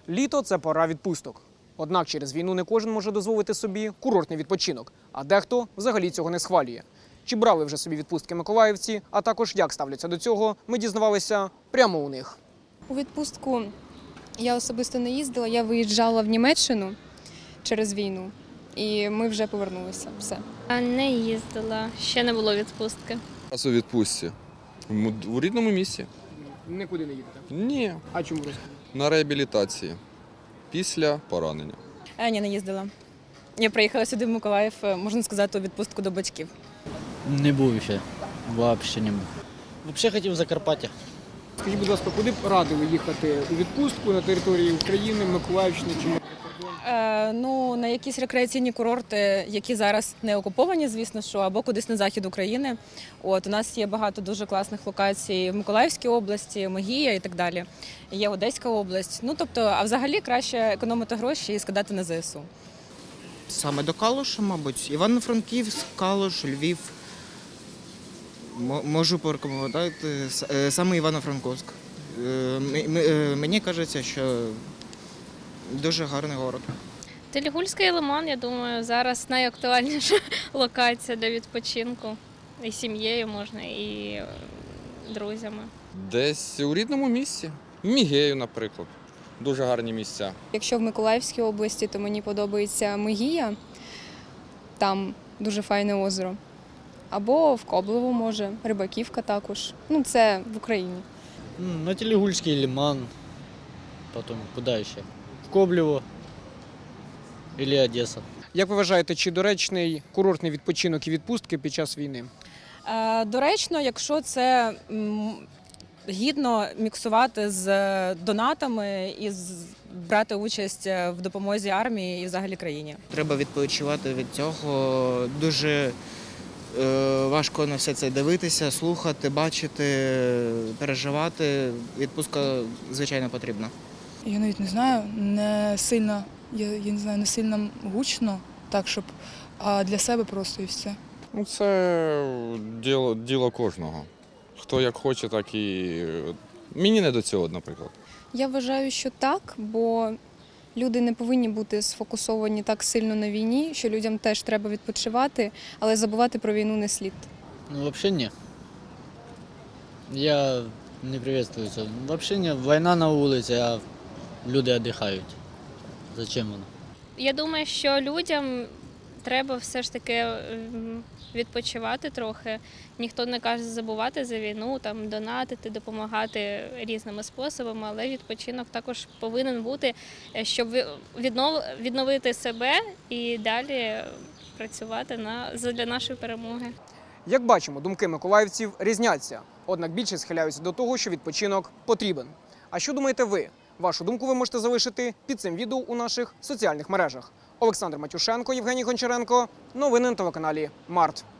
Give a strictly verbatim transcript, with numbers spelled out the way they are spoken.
Літо – це пора відпусток. Однак через війну не кожен може дозволити собі курортний відпочинок, а дехто взагалі цього не схвалює. Чи брали вже собі відпустки миколаївці, а також як ставляться до цього, ми дізнавалися прямо у них. У відпустку я особисто не їздила, я виїжджала в Німеччину через війну, і ми вже повернулися. Все. Не їздила, ще не було відпустки. Раз у відпустці. У рідному місті? Нікуди не їдете? Ні. А чому розповідати? На реабілітації. Після поранення. А, ні, не їздила. Я приїхала сюди в Миколаїв, можна сказати, у відпустку до батьків. Не був ще. Взагалі не був. Взагалі хотів в Закарпаття. Скажіть, будь ласка, куди б радили їхати у відпустку на території України, Миколаївщини чи може за кордон? Е, ну, на якісь рекреаційні курорти, які зараз не окуповані, звісно, що, або кудись на захід України. От, у нас є багато дуже класних локацій в Миколаївській області, Могія і так далі. Є Одеська область. Ну, тобто, а взагалі краще економити гроші і скидати на зе ес у. Саме до Калуша, мабуть. Івано-Франківськ, Калуш, Львів. М- Можу порекомендувати с- е, саме Івано-Франківськ. Е, м- м- е, Мені кажеться, що дуже гарний город. Телігульський лиман, я думаю, зараз найактуальніша локація для відпочинку. І з сім'єю можна, і е, друзями. Десь у рідному місті. В Мігею, наприклад. Дуже гарні місця. Якщо в Миколаївській області, то мені подобається Могія, там дуже файне озеро. Або в Коблево, може, Рибаківка також. Ну, це в Україні. М, На Телегульский лиман. Потом куда еще? В Коблево. Или Одесса. Як ви вважаєте, чи доречний курортний відпочинок і відпустки під час війни? Е, доречно, якщо це м, гідно міксувати з донатами і з- брати участь в допомозі армії і взагалі країні. Треба відпочивати від цього. Дуже е, важко на все це дивитися, слухати, бачити, переживати. Відпустка, звичайно, потрібна. Я навіть не знаю, не сильно, я, я не знаю, не сильно гучно, так, щоб, а для себе просто і все. Ну, це діло, діло кожного. Хто як хоче, так і. Мені не до цього, наприклад. Я вважаю, що так, бо люди не повинні бути сфокусовані так сильно на війні, що людям теж треба відпочивати, але забувати про війну не слід. Ну, вообще не. Я не приветствую це. Вообще не. Війна на вулиці, а люди віддихають. Зачем воно? Я думаю, що людям треба все ж таки ем, відпочивати трохи. Ніхто не каже забувати за війну, там донатити, допомагати різними способами, але відпочинок також повинен бути, е, щоб ви- віднов, відновити себе і далі працювати на для нашої перемоги. Як бачимо, думки миколаївців різняться. Однак більше схиляються до того, що відпочинок потрібен. А що думаєте ви? Вашу думку ви можете залишити під цим відео у наших соціальних мережах. Олександр Матюшенко, Євгеній Гончаренко. Новини на телеканалі Март.